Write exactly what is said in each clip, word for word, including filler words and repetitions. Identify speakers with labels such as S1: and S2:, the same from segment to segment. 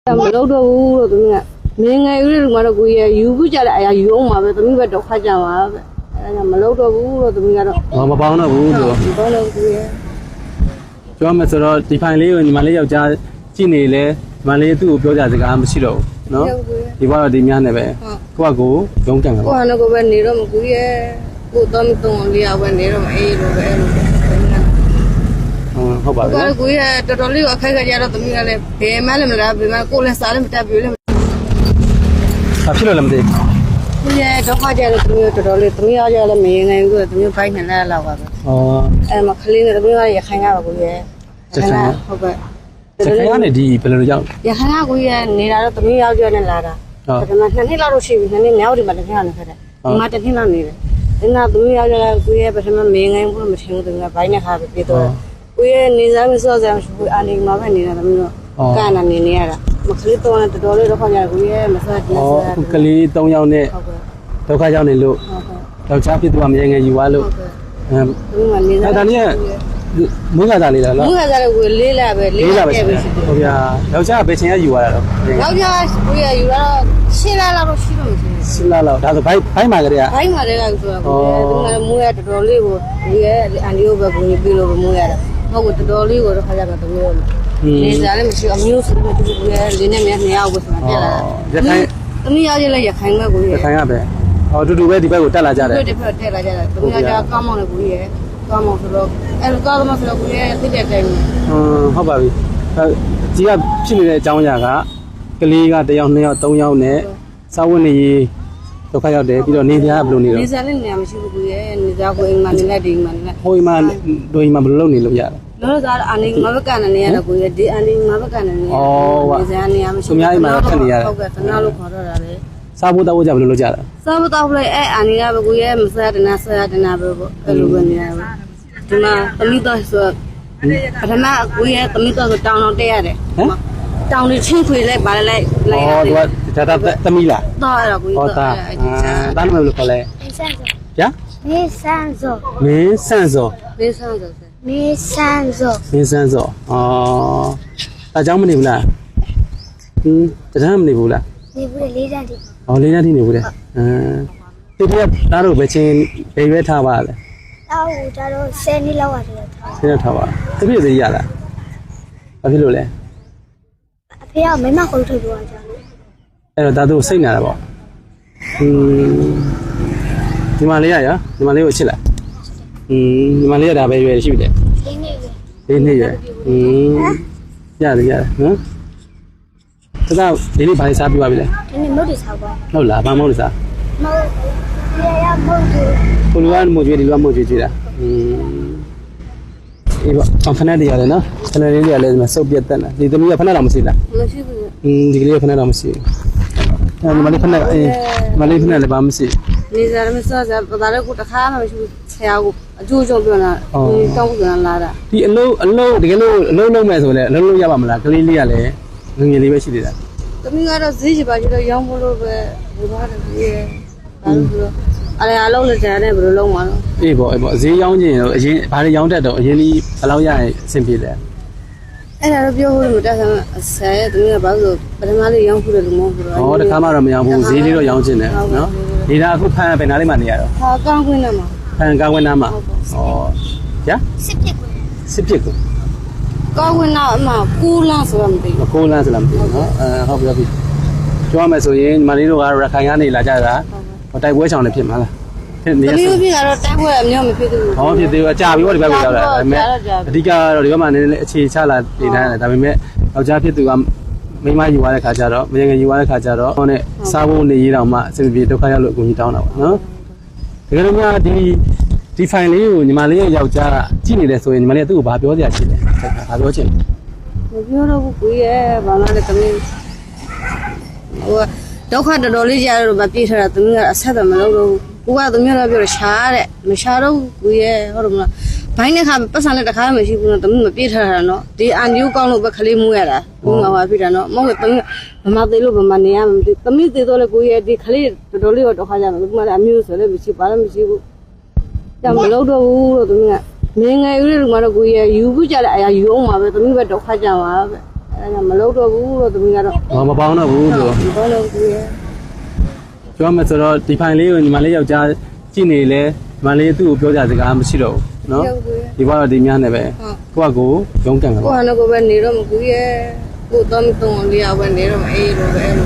S1: မလုပ်တော့ဘူးလို့သမီးကမင်းငယ်ဦးတွေကတော့ကိုကြီးရယူခုကြတဲ့အရာယူအောင်ပါပဲသမီးပဲတော့ခတ်ကြပါပဲအဲဒါမလုပ်တော့ဘူးလို့သမီးကတော့
S2: မပေါင်းတော့ဘူးဆို
S1: မပေါင်းတော့ဘူးရ
S2: ပြောမယ်ဆိုတော့ဒီဖိုင်လေးကိုညီမလေးယောက်ျားကြည့်နေလဲညီမလေးသူ့ကိုပြောကြစကားမရှိတော့ဘူးနော်ဒီဘက်တော့ဒီများနဲ့ပဲကိုကကိုရုံးကန်မှာ
S1: ကိုကလည်းကိုပဲနေတော့မကူရကိုတော့မတုံးလေးအောင်ပဲနေတော့အေးလိုပဲလို့
S2: ဟုတ်ပါပြီ
S1: ကိုကကိုရတော်တော်လေးအခက်ခဲကြတော့သမီးကလည်းဘယ်မှလည်းမလားဘယ်မှကိုလည်းစားလည်းမတက်ပြလည်း
S2: ဘာဖြစ်လို့လဲမသိ
S1: ကိုရတော့ခါကြတော့သမီးတော်တော်လေးသမီးအားကြလည်းမရင်နိုင်ဘူးသမီးဘိုင်းနဲ့လည်းလောက်ပါပဲ
S2: ဩ
S1: အဲမှာခလေးနဲ့သမီးကရခိုင်ရပါကိုရဟုတ်ကဲ့
S2: စခိုင်းကနေဒီဘယ်လိုရောက်
S1: ရခိုင်ကကိုရနေတာတော့သမီးယောက်ျားနဲ့လာတာဒါပေမဲ့နှစ်နှစ်လောက်တော့ရှိပြီနှစ်နှစ်မြောက်ဒီမှာတစ်ခါနဲ့ခက်တယ်ဒီမှာတစ်နှစ်လောက်နေတယ်ဒီနာသမီးယောက်ျားကကိုရပထမမင်းငိုင်းဘူးမထင်ဘူးသမီးကဘိုင်းနဲ့ခါပဲပြေတော့ကိုရနေစားမစောစရာမရှိဘူးအာနေမှာပဲနေတာသမီးတို့ကနာနေနေရတာမခလေးတော့တော်တော်လေးတော့ခေါ်ကြကိုရမစားကြည့်စား
S2: ဩကလေး၃ယောက်နဲ့
S1: ဟုတ်ကဲ့
S2: ဒုက္ခရောက်နေလို့
S1: ဟုတ်ကဲ့
S2: ယောက်ျားဖြစ်သူကမရေငယ်ယူသွားလို့
S1: အဲဒီမှာနေစား
S2: ဒါလေးကမွေးကစားလေးလားနော်
S1: မူကစားကိုလေးလာပဲလေးလာပဲရှိတယ်
S2: ဟုတ်ဗျာယောက်ျားကဘယ်ချိန်ကယူသွားတာတော့
S1: ယောက်ျားကိုရယူတော့ရှင်းလာတော့ရှိတော့မရှိဘူး
S2: စလာလောက်ဒါဆိုဘိုက်ဘိုက်မှာကလေးက
S1: ဘိုင်းမှာလည်းကဆိုတော့ဒီမှာမူရတော်တော်လေးကိုဒီရဲ့အန်ဒီယိုပဲကိုကြီးပြီးလို့မူရတာဟုတ်ကတော်တော်လေးကိုတော့ခါကြပါတော့မျိုးနေစားလည်းမရှိအမျိုးစုနဲ့တူတူရဲ့လင်းနဲ့မြနေအောင်ကိုဆိုတာပြက်လာတာရခိုင်သမီးရရလည်းရခိုင်မဲ့ကိုကြီး
S2: ရခိုင်ကပဲဟောတူတူပဲဒီဘက်ကိုတက်လာကြတယ်
S1: ဒီဘက်တက်လာကြတာသမီးရကကောင်းမောင်းနဲ့ကိုကြီးရဲ့ကောင်းမောင်းဆိုတော့အဲလိုကောင်းမောင်းဆိုတော့ကိုကြီးရဲ့သိတဲ့တိုင်း
S2: ဟွန်းဟုတ်ပါပြီကြီးကဖြစ်နေတဲ့အကြောင်းအရာကကလေးကတစ်ယောက်နှစ်ယောက်သုံးယောက်နဲ့စာဝတ်နေရေးဒုက္ခရောက်တယ်ပြီးတော့နေပြားဘယ်လိုနေ
S1: နေ
S2: တော့
S1: စားလည်းနေမရှိဘူးကိုကြီးရဲ့နေစားကိုအိမ်မှာနေလိုက်ဒီမှာနေလိုက်
S2: ဟိုအိမ်မှာဒိုအိမ်မှာဘယ်လိုလုပ်နေလို့ရလဲ
S1: လောစားအာနေမဘကနေနေရတော့ကိုကြီးဒီအာနေမဘကနေနေရနေစားနေရမရှိဟုတ်ကဲ့တနာလို့ခေါ်တော့တာလေ
S2: စားဖို့တောက်ဖို့ကြဘယ်လိုလုပ်ကြလဲ
S1: စားမတော့လေအဲအာနေကဘကိုရဲ့မစားတနာစားတနာပဲပေါ့အဲ့လိုပဲနေရပါဒီမှာတမိတော့ဆိုပထမကိုရဲ့တမိတော့ဆိုတောင်းတော့တက်ရတယ်တောင်းလေးချင်းခွေလိုက်ပါလိုက်လိုက်
S2: ဩသူကဒါတာသမီးလား
S1: တော့အဲ့တော့ကို
S2: ဟော
S1: ကြီး
S2: တာ
S1: တော့အဲ့ဒီစား
S2: အာတားလို့ဘယ်လိုခေါ်လဲ
S3: 没三种，
S2: ဗျာ
S3: 没三种，
S2: မင်းဆန့်စော
S1: လေးစားဆိုစ
S3: 没三种，
S2: မင်းဆန့်စောဩအကြောင်းမနေဘူးလားဟင်းတန်းမနေဘူးလား
S3: 你不是离站的，
S2: ။အော်လေးနဲ့ထိနေဘူးလေ။အမ်ဒီပြသားတို့ပဲချင်းဘယ်ရွက်ထားပါလဲ
S3: 到我这都三年了，我这个他，
S2: ။ဆင်းရထားပါ။တပြည့်သေးရလား။ဘာဖြစ်လို့လဲ
S3: 不要没嘛回头多少
S2: ။အဲ့တော့သားတို့စိတ်နာတာပေါ့။ဟင်းဒီမလေးရရဒီမလေးကိုချစ်လိုက်။ဟင်းဒီမလေးရဒါပဲရွယ်ရှိပြီလေ
S3: 谁那个？
S2: ။လေးနှစ်ရွယ်။ဟင်းရတယ်ရတယ်နော်။တသားဒီနေ့ဘာလေးစားပြပါပြီလဲ
S3: 给你没得超过，
S2: ။ဟုတ်လားဘာမဟုတ်လို့စား
S3: 没，也要没得，
S2: ။ကိုလူကမို့ကျွေးဒီလူကမို့ကျွေးကြည့်တာ။ဟင်းအေးပေါ့အဖနက်တွေရတယ်နော်။ဖနက်လေးတွေကလည်းဒီမှာစုပ်ပြတ်တက်နေ။ဒီသမီးကဖနက်တော့မရှိလား
S1: မရှိဘူး
S2: ။အင်းဒီကလေးကဖနက်တော့မရှိဘူး။အဲဒီမလေးဖနက်အေးမလေးဖနက်လည်းဘာမရှိဘူး
S1: နေစားမစားစားပဒါလည်းကိုတခါမှမရှိဘူးဆရာကအကျိုးကျုံပြောတာဒီတောင်းပြန်လာတာ
S2: ။ဒီအလုံးအလုံးတကယ်လို့အလုံးလုံးမဲ့ဆိုလည်းအလုံးလုံးရပါမလား။ကလေးလေးကလည်းငငယ်လေးပဲရှိသေးတာ
S1: သမီးကတော့ဈေးချပါချတော့ရောင်းဖို့လို့ပဲဘူသားတယ်ကြီးရဲ့ဘာလို့ဆိုတော့အရေအလုံးလက်ကြတဲ့ဘယ်လိုလုံးမှာလဲ
S2: ။အေးပေါ့အေးပေါ့ဈေးရောင်းခြင်းတော့အရင်ဘာတွေရောင်းတတ်တော့အရင်ကြီးဘယ်လောက်ရရင်အဆင်ပြေလဲ
S1: အဲ့ဒါတော့ပြောဖို့မတက်ဆန်းဆရာရဲ့သမီးကဘာလို့ပထမလေးရောင်းဖို့တယ်လို့မဟုတ်ဘူး
S2: ။ဩတခါမှတော့မရောင်းဘူးဈေးလေးတော့ရောင်းခြင်းတယ်နော်။ဒီဒါအခုဖန်ဘယ်နားလေးမှနေရတော့
S1: ဟာကောင်းခွင့်နဲ့မှာ
S2: ဖန်ကားဝင်နားမှာ။ဩ။ညာ
S3: 是别个，
S2: စစ်ပြစ်ကို
S1: ကောင်းခွင့်တော့အမှကူလန်းဆိုတော့မသိ
S2: မ
S1: ဘူး
S2: ကိုးလန်းစလားမသိဘူးနော်။အဲဟုတ်ပြီဟုတ်ပြီ။ပြောရမယ်ဆိုရင်ညီမလေးတို့ကရခိုင်ကနေလာကြတာဟိုတိုက်ပွဲချောင်းလည်းဖြစ်မှာလား။ဖြစ်နေ
S1: သမီး
S2: ရ
S1: တို့ပြည်ကတော့တိုက်ပွဲအမျိုးမဖြစ်ဘူး
S2: ဟောဖြစ်သေးဘူးအကြပြီပေါ့ဒီဘက်ကိုရောက်လာဒါပေမဲ့အဓိကတော့ဒီဘက်မှာနည်းနည်းအခြေချလာနေတယ်ဒါပေမဲ့ယောက်ျားဖြစ်သူကမိန်းမယူသွားတဲ့ခါကျတော့မရင်ငယ်ယူသွားတဲ့ခါကျတော့ဟောနဲ့စားဖို့နေရေးတောင်မှအဆင်ပြေဒုက္ခရောက်လို့အကူကြီးတောင်းတာပေါ့နော်တကယ်လို့များဒီဒီဖိုင်လေးကိုညီမလေးရဲ့ယောက်ျားကကြည့်နေတယ်ဆိုရင်ညီမလေးကသူ့ကိုဘာပြောစရာရှိလဲဘာပြောချင်
S1: မပြောတော့ဘူးကိုရဲ့ဘာမှလည်းသမီးဟိုဒုက္ခတော်တော်လေးကြားတော့မပြေးထတာသမီးကအဆက်တော့မလုပ်တော့ဘူးကိုကသမီးတော့ပြောရှားတဲ့မရှားတော့ကိုရဲ့ဟုတ်တယ်မလားဘိုင်းနဲ့ခါပတ်စံနဲ့တခါမှမရှိဘူးနော်သမီးမပြေးထတာနော်ဒီအန်ဂျူကောင်းလို့ပဲခလေးမူးရတာဘူးငါပါဖြစ်တာနော်မဟုတ်သမီးမမသေးလို့ဗမာနေရမသိသမီးသေးတော့လေကိုရဲ့ဒီခလေးတော်တော်လေးတော့ဒုက္ခကြမှာဒီမှာလည်းအမျိုးဆိုလည်းမရှိပါလည်းမရှိဘူးကြမလုပ်တော့ဘူးလို့သမီးကမင်းငယ်ဦးတွေကတော့ကိုရဲ့ယူခုကြတဲ့အရာယူအောင်ပါပဲသမီးပဲဒုက္ခကြပါပဲအဲအဲ့ဒါမလုပ်တော့ဘူးလို့သမီးကတော့
S2: ဟောမပေါင်းတော့ဘူးဆို
S1: မပေါလို့ကိုရဲ့
S2: ပြောမှဆိုတော့ဒီဖိုင်လေးကိုညီမလေးယောက်ျားကြည့်နေလဲညီမလေးသူ့ကိုပြောကြစကားမရှိတော့ဘူးနော်ဒီဘက်တော့ဒီများနဲ့ပဲကိုကကိုရုံးကန်မှာ
S1: ကိုဟာတော့ကိုပဲနေတော့မကူရဲ့ကိုတော့မတုံလေးအောင်ပဲနေတော့အေးလို့ပဲအဲ့လို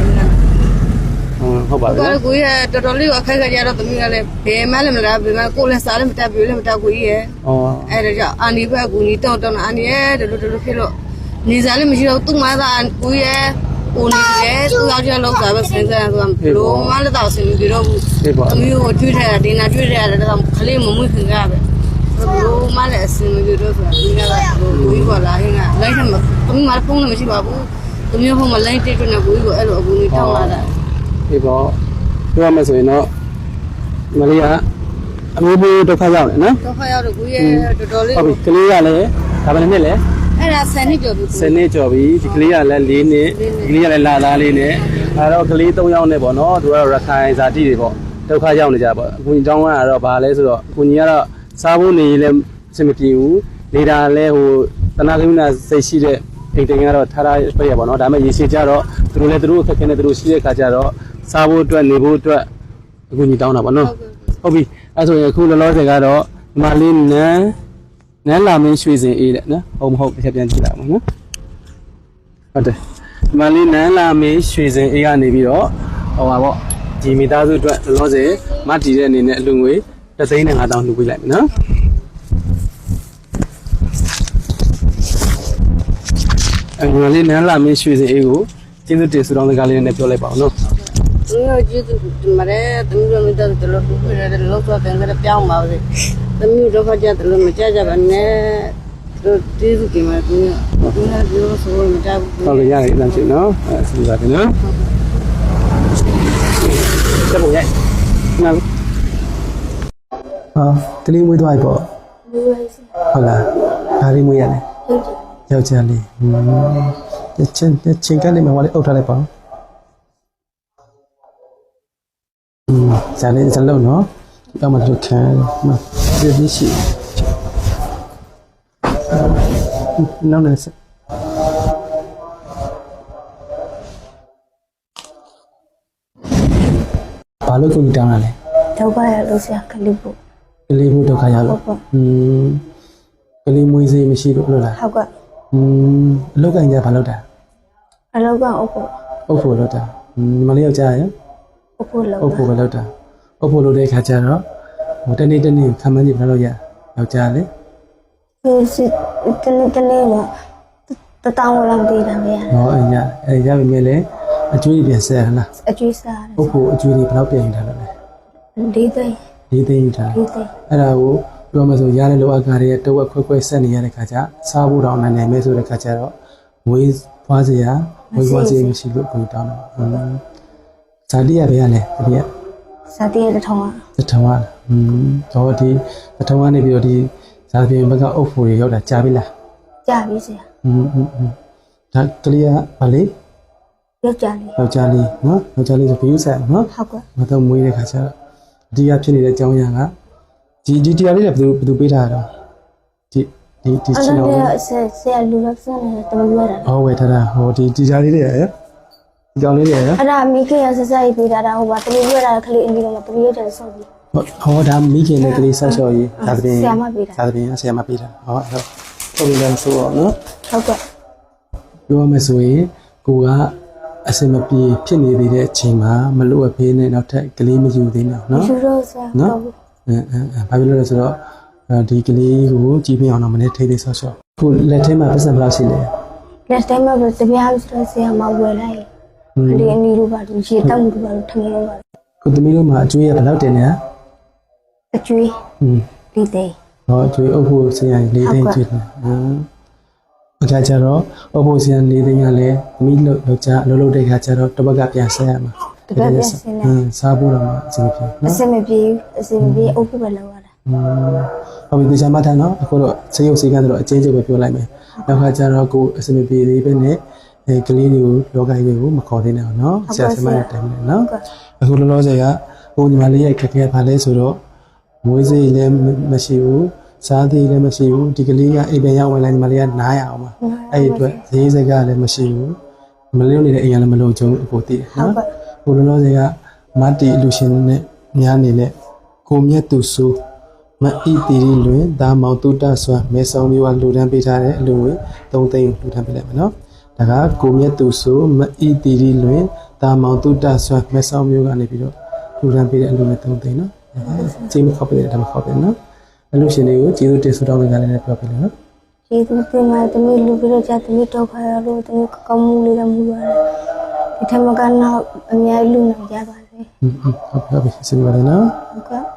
S2: ဟုတ်ပါပြီ
S1: ကိုကကိုရဲ့တော်တော်လေးအခက်ခဲကြတော့သမီးကလည်းဘယ်မှလည်းမလားဘယ်မှကိုလည်းစားလည်းမတက်ပြလည်းမတက်ကိုကြီးရဲ့
S2: ဩ
S1: အဲ့ဒါကြောင့်အာနီဘက်ကူညီတောင်းတောင်းအာနီရဲ့ဒီလိုဒီလိုဖြစ်လို့နေစားလည်းမရှိတော့သူ့မသားကိုရဲ့ကိုနေတယ်သူယောက်ျားလောက်စားပဲစဉ်းစားဆိုတော့ဘလို့မလည်းတော့ဆင်ပြီးတော့ဘူးသမီးကိုတွေ့ထားတာဒီနာတွေ့ထားတာတော့ခလေးမမွေးခင်ကပဲဘလို့မလည်းအဆင်ပြီးတော့ဆိုတာဒီကကကိုကြီးပေါ်လာဟင်းကလိုက်ထမသမီးမဖုန်းလည်းမရှိပါဘူးသမီးဖုန်းမလိုက်တိတ်တွေ့နေကိုကြီးကိုအဲ့လိုအကူကြီးတောင်းလာတာ
S2: ဒီပေါ့ပြောရမယ်ဆိုရင်တော့မလေးကအမျိုးမျိုးဒုက္ခရောက်တယ်နော်
S1: တော့ခါရောက်တော့ကိုရဲ့တော်တော်လေး
S2: ဟုတ်ပြီကလေးကလည်းဒါပဲနဲ့လေ
S1: အဲ့ဒါဆယ်နှစ်ကျော်ပြီ
S2: စနေကြော်ပြီဒီကလေးကလည်း၄နှစ်ဒီကလေးကလည်းလာသားလေးနဲ့အဲတော့ကလေး၃ယောက်နဲ့ပေါ့နော်သူကတော့ရခိုင်ဇာတိတွေပေါ့ဒုက္ခရောက်နေကြပေါ့အကူကြီးတောင်းကတော့ဗာလဲဆိုတော့အကူကြီးကတော့စားဖို့နေရင်လည်းအဆင်မပြေဘူးနေတာလည်းဟိုတနာကရုဏာစိတ်ရှိတဲ့အိမ်တင်ကတော့ထားထားပြရပေါ့နော်ဒါပေမဲ့ရေရှည်ကြတော့သူတို့လည်းသူတို့အခက်အခဲနဲ့သူတို့ရှိတဲ့ခါကျတော့စားဖို့အတွက်နေဖို့အတွက်အကူကြီးတောင်းတာပေါ့နော်ဟုတ်ပြီအဲဆိုရင်အခုလောလောဆယ်ကတော့ဒီမှာလေးနန်းနန်းလာမင်းရွှေစင်အေးတဲ့နော်ဟုတ်မဟုတ်တစ်ချက်ပြန်ကြည့်လိုက်အောင်နော်ဟုတ်တယ်ဒီမှာလေးနန်းလာမင်းရွှေစင်အေးကနေပြီးတော့ဟိုပါပေါ့ဒီမိသားစုအတွက်လောလောဆယ်မတည်တဲ့အနေနဲ့အလူငွေတစ်သိန်းနဲ့ငါးတောင်းလှူပေးလိုက်မယ်နော်အဲဒီမှာလေးနန်းလာမင်းရွှေစင်အေးကိုကျေးဇူးတင်ဆုတောင်းစကားလေးနဲ့ပြောလိုက်ပါအောင်နော်
S1: သူတို့ကျေးဇူးတင်ပါတယ်သူတို့မိသားစုတို့လူတွေလည်းလောက်တော့တယ်လည်းပြောင်းပါစေသမီးတို့ခကြတယ်လို့မကြကြပါနဲ့သူကျေးဇူးတင်ပါတယ်သူတို့သူလည်းပြောဆိုမတတ်ဘူး
S2: ဟုတ်ကဲ့ရတယ်အမ်းချင်နော်အဲစဉ်းစားတယ်နော်တက်ဖို့ရိုက်နားဟာတလီမွေးသွားပြီပေါ့
S3: လူရစီ
S2: ဟုတ်လားဒါလေးမွေးရလဲ
S3: ဟုတ်တယ်
S2: ယောက်ျားလေးဟင်းချင်းချင်းကနေမှဟောလေးအုပ်ထားလိုက်ပါอืมဇာလေးဇလုံးနော်ဒီအောင်မလုပ်ခံမဒီဒီရှိနောက်နေစဘာလို့ကိုကြီးတောင်းလာလဲ
S3: တော့ပါရလို့ဆရာကလေးဖို့
S2: ကလေးမှုဒုက္ခရောက်လို့อืมကလေးမွေးစေးမရှိလို့လို့လား
S3: ဟုတ်ကဲ့
S2: อืมအလောက်ကင်ကြဘာလုပ်တာ
S3: အလောကအုပ်ဖို့
S2: အုပ်ဖို့လုပ်တာอืมမလေးယောက်ျားရယ်
S3: အုပ်ဖို့လောက်
S2: အုပ်ဖို့ပဲလုပ်တာအုပ်ဖို့လုပ်တဲ့ခါကျတော့ဟိုတနေ့တနေ့ခံမကြည့်ဘယ်လိုရယောက်ျားလေ
S3: ဒီစစ်တနေ့တနေ့မှာတတောင်းလောက်တည်တာပဲရ
S2: ဟောအညာအဲရပြီမဲ့လေအကျွေးပြန်ဆက်ဟလား
S3: အကျွေးစား
S2: အုပ်ဖို့အကျွေးတွေဘယ်လောက်ပြန်ထားလို့လဲ
S3: လေးသိန်း
S2: လေးသိန်းထား
S3: လေးသိန်း
S2: အဲ့ဒါကိုပြောမှဆိုရတဲ့လောအကားတွေတဝက်ခွဲခွဲဆက်နေရတဲ့ခါကျစားဖို့တော့နိုင်နိုင်မဲဆိုတဲ့ခါကျတော့ဝေးဖွားစရာဝေးဖွားစရာမရှိလို့ကိုတောင်းတော့ဇာတိရပဲရလဲတတိယ
S3: စာတည်းတစ်ထောင်อ่ะ
S2: သထဝါอืมတော့ဒီသထဝါနေပြီးတော့ဒီဇာပြင်ဘက်ကအုပ်ဖို့တွေရောက်တာကြားပြီလား
S3: ကြာပြီဆရာ
S2: อืมอืมอืมဒါကလေးကဗာလေ
S3: ယောက်ျားလေး
S2: ယောက်ျားလေးနော်ယောက်ျားလေးဆိုဘယူဆက်နော်
S3: ဟုတ်ကဲ့
S2: မတော့မွေးတဲ့ခါကျတော့အဓိကဖြစ်နေတဲ့အကြောင်းအရာကဒီဒီတရားလေးကဘယ်သူဘယ်သူပေးထားတာဒီဒီဒီ
S3: အဲ့
S2: ချင်
S3: ဒါ
S2: တော်
S3: လည်းဆရာဆရာလူလောက်စနေတယ်တမပြောတာ
S2: ဟောဝယ်ထားတာဟောဒီဒီတရားလေးတွေရယ်ဒီကောင်လေးတွေရယ်
S3: အဲ့ဒါမိခင်ရဆက်ဆက်ရေးပေးတာဟိုပါတမပြောတာခလေးအင်းကြီးတော့တမပြောတယ်ဆော့ပြီး
S2: ဟောဒါမိခင်နဲ့ကလေးဆောက်ရှော်ရေးဒါသဖြင့်
S3: ဆရာမပေးတာ
S2: ဒါသဖြင့်ဆရာမပေးတာဟောဟုတ်ဟုတ်ပြီလားဆိုတော့နော်
S3: ဟုတ်ကဲ့
S2: ပြောမယ်ဆိုရင်ကိုကအစင်မပြေဖြစ်နေသေးတဲ့အချိန်မှာမလို့အဖေးနဲ့နောက်ထပ်ကလေးမယူသေးတော့နော်
S3: ယူရိုဆရာ
S2: နော်အဲအဲဘာဖြစ်လို့လဲဆိုတော့ဒီကလေးကိုကြီးပြင်းအောင်တော့မနေ့ထိသေးဆော့ဆော့ခုလက်ထဲမှာပတ်စံဘယ်လောက်ရှိလဲ
S3: လက်တိုင်းမှာတပြားဆိုဆရာမဝယ်လိုက်ဒီအနီလိုပါလို့ရေတောက်လို့ပါလို့ထမင်းလို့ပါ
S2: ခုသမီးတို့မှာအကျွေးရဘယ်လောက်တင်လဲ
S3: အကျွေး
S2: ဟွန်း
S3: ဒီသိန်း
S2: ဟောအကျွေးအုပ်ဖို့ဆရာလေးသိန်းကျွေးတယ်ဟမ်အခါကျတော့အုပ်ဖို့ဆရာလေးသိန်းကလည်းသမီးလို့ယောက်ျားအလုပ်လုပ်တဲ့ခါကျတော့တစ်ပတ်ကပြန်ဆက်ရမှာ
S3: တပတ်ပြန်စင်း
S2: ဟမ်စားဖို့တော့အဆင်မပြေ
S3: အ
S2: နော်
S3: စင်မပြေအစင်မပြေအုပ်ဖို့ပဲလောက်ရတာ
S2: ဟုတ်ပြီဒီချမ်းမထမ်းနော်အခုတော့စေရုပ်စေကန်းတော့အချင်းချင်းပဲပြောလိုက်မယ်နောက်ခါကျတော့ကိုအစင်မပြေသေးပဲနဲ့အဲကလေးတွေကိုလောကကြီးတွေကိုမခေါ်သေးနဲ့အောင်နော်ဆရာဆရာမရဲ့တိုင်မယ်နော်အခုလောလောဆယ်ကဟိုညီမလေးရဲ့ခက်ခဲပါလဲဆိုတော့မွေးစေးလည်းမရှိဘူးစားသေးလည်းမရှိဘူးဒီကလေးကအိမ်ပြန်ရောက်ဝင်လာညီမလေးကနားရအောင်ပါအဲ့ဒီအတွက်ဈေးစကားလည်းမရှိဘူးမလေးနေတဲ့အိမ်ကလည်းမလုံချုံအကိုတည်နော်ဟိုလောလောဆယ်ကမတ်တီအလူရှင်နဲ့ညားနေတဲ့ကိုမြတ်သူဆိုမအီတီရီလွင်ဒါမောင်တုတဆွမ်းမဲဆောင်မျိုးကလူတန်းပေးထားတဲ့အလူငွေသုံးသိန်းလူတန်းပေးလိုက်မယ်နော်ဒါကကိုမြတ်သူဆိုမအီတီရီလွင်ဒါမောင်တုတဆွမ်းမဲဆောင်မျိုးကနေပြီးတော့လူတန်းပေးတဲ့အလူငွေသုံးသိန်းနော်ကျေးမခောက်ပေးတယ်ဒါမှခောက်ပေးနော်အလူရှင်တွေကိုကျေးဇူးတင်ဆုတောင်းပေးကြလည်းပြောပြလို့နော်
S3: ကျေးဇူးတင်ပါတယ်တမီးလူပြီးတော့ကြာတမီးတော့ခါရလို့တမီးကောင်းမှုလေးလည်းမူပါတယ်ဒီထက်မကတော့အများကြီးလူနိုင်ကြပါစေ
S2: ဟုတ်ဟုတ်ဟုတ်ပြီကျေးဇူးပါတယ်နော်
S3: ဟုတ်ကဲ့